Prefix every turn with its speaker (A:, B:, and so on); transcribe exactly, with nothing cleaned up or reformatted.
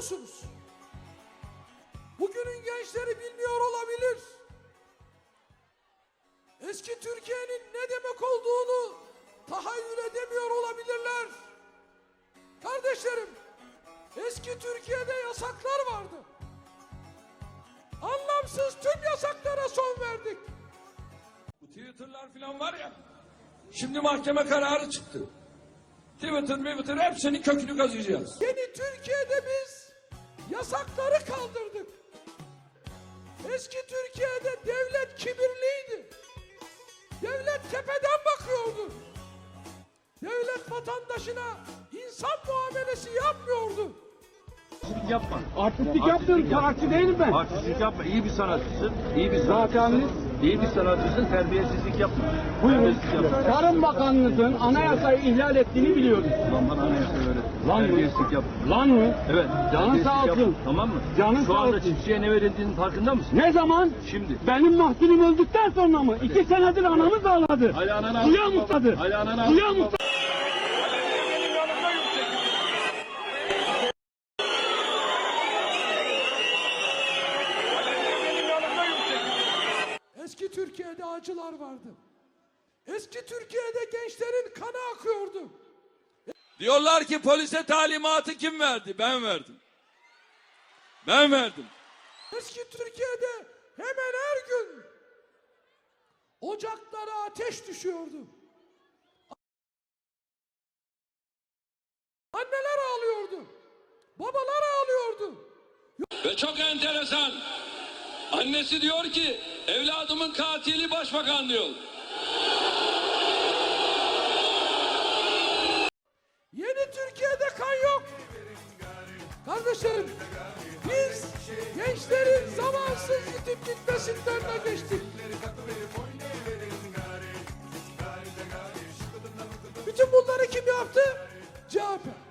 A: musunuz? Bugünün gençleri bilmiyor olabilir. Eski Türkiye'nin ne demek olduğunu tahayyül edemiyor olabilirler. Kardeşlerim, eski Türkiye'de yasaklar vardı. Anlamsız tüm yasaklara son verdik.
B: Bu Twitter'lar falan var ya, şimdi mahkeme kararı çıktı. Twitter, Twitter hepsinin kökünü kazıyacağız.
A: Yeni Türkiye'de biz yasakları kaldırdık. Eski Türkiye'de devlet kibirliydi. Devlet tepeden bakıyordu. Devlet vatandaşına insan muamelesi yapmıyordu.
C: Artistlik yapma.
D: Artistlik yaptın, sanatçı değilim ben.
C: Artistlik yapma. İyi bir sanatçısın. İyi bir sanatçısın.
D: Zaten
C: İyi bir sanatçısın. Terbiyesizlik yapma.
D: buyurun.
C: Terbiyesizlik yapma.
D: Tarım Bakanlığı'nın anayasayı ihlal ettiğini biliyoruz.
C: Lan bana anayasa öğret.
D: Lan mı?
C: Terbiyesizlik yapma.
D: Lan mı?
C: Evet.
D: Canın sağ
C: terbiyesizlik
D: olsun.
C: yapma. Tamam mı?
D: Canın
C: Şu
D: sağ
C: anda
D: olsun.
C: çiftçiye ne verildiğinin farkında mısın?
D: Ne zaman?
C: Şimdi.
D: Benim mahzunum öldükten sonra mı? İki senedir anamız ağladı.
C: Hala ananı
D: Suya
C: ağlatma.
D: musladı.
C: Hala ananı
D: Suya
C: ağlatma.
D: musladı.
A: Eski Türkiye'de acılar vardı. Eski Türkiye'de gençlerin kanı akıyordu.
B: Diyorlar ki polise talimatı kim verdi? Ben verdim. Ben verdim.
A: Eski Türkiye'de hemen her gün ocaklara ateş düşüyordu. Anneler ağlıyordu. Babalar ağlıyordu.
B: Ve çok enteresan. Annesi diyor ki evladımın katili başbakan diyor.
A: Yeni Türkiye'de kan yok. Kardeşlerim, biz gençlerin zamansız yitip gitmesinden de geçtik. Bütün bunları kim yaptı? C H P.